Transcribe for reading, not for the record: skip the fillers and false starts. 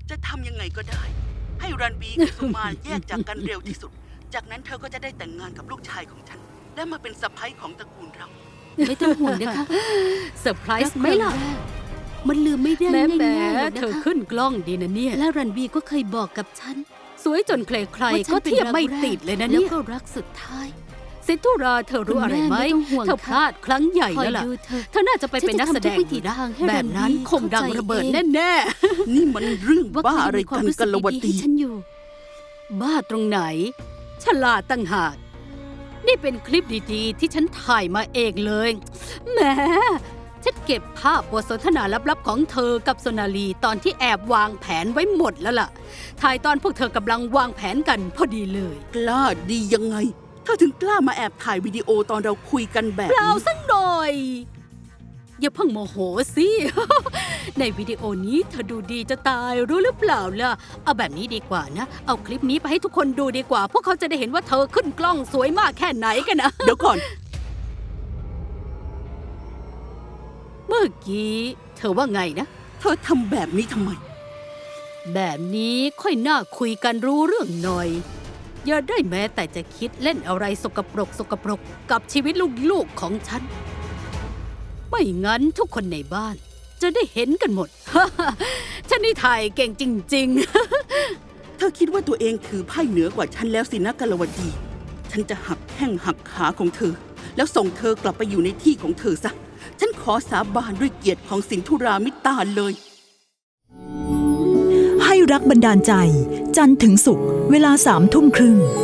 จะทำยังไงก็ได้ให้รันบีกับสุมาแยกจากกันเร็วที่สุดจากนั้นเธอก็จะได้แต่งงานกับลูกชายของฉันและมาเป็นสะใภ้ของตระกูลเราไม่ต้องห่วงนะคะเซอร์ไพรส์ไหมล่ะมันลืมไม่ได้ง่ายๆหรอกนะคะเธอขึ้นกล้องดีนะเนี่ยและรันบีก็เคยบอกกับฉันสวยจนใครๆก็เทียบไม่ติดเลยนะเนี่ยแล้วก็รักสุดท้ายสิทุราเธอรู้อะไรไหมเธอพลาดครั้งใหญ่แล้วล่ะเธอน่าจะไปเป็นนักแสดงนะแบบนั้นคงดังระเบิดแน่ๆนี่มันเรื่องบ้าอะไรกันกัลวตีฉันอยู่บ้าตรงไหนฉลาดตั้งหากนี่เป็นคลิปดีๆที่ฉันถ่ายมาเองเลยแหมฉันเก็บภาพบทสนทนาลับๆของเธอกับโซนาลีตอนที่แอบวางแผนไว้หมดแล้วล่ะถ่ายตอนพวกเธอกำลังวางแผนกันพอดีเลยกล้าดียังไงเธอถึงกล้ามาแอบถ่ายวิดีโอตอนเราคุยกันแบบเปล่าสักหน่อยอย่าเพิ่งโมโหสิ ในวิดีโอนี้เธอดูดีจะตายรู้หรือเปล่าล่ะเอาแบบนี้ดีกว่านะเอาคลิปนี้ไปให้ทุกคนดูดีกว่าพวกเขาจะได้เห็นว่าเธอขึ้นกล้องสวยมากแค่ไหนกันนะเดี๋ยวก่อนเมื่อกี้เธอว่าไงนะเธอทำแบบนี้ทำไมแบบนี้ค่อยน่าคุยกันรู้เรื่องหน่อยอย่าได้แม้แต่จะคิดเล่นอะไรสกปรกกับชีวิตลูกๆของฉันไม่งั้นทุกคนในบ้านจะได้เห็นกันหมด ฉันนี่ถ่ายเก่งจริงๆ เธอคิดว่าตัวเองถือไพ่เหนือกว่าฉันแล้วสินะกัลวดีฉันจะหักแข้งหักขาของเธอแล้วส่งเธอกลับไปอยู่ในที่ของเธอซะฉันขอสาบานด้วยเกียรติของสินธุรามิตาเลยให้รักบันดาลใจจันทร์ถึงศุกร์เวลา 21:30 น.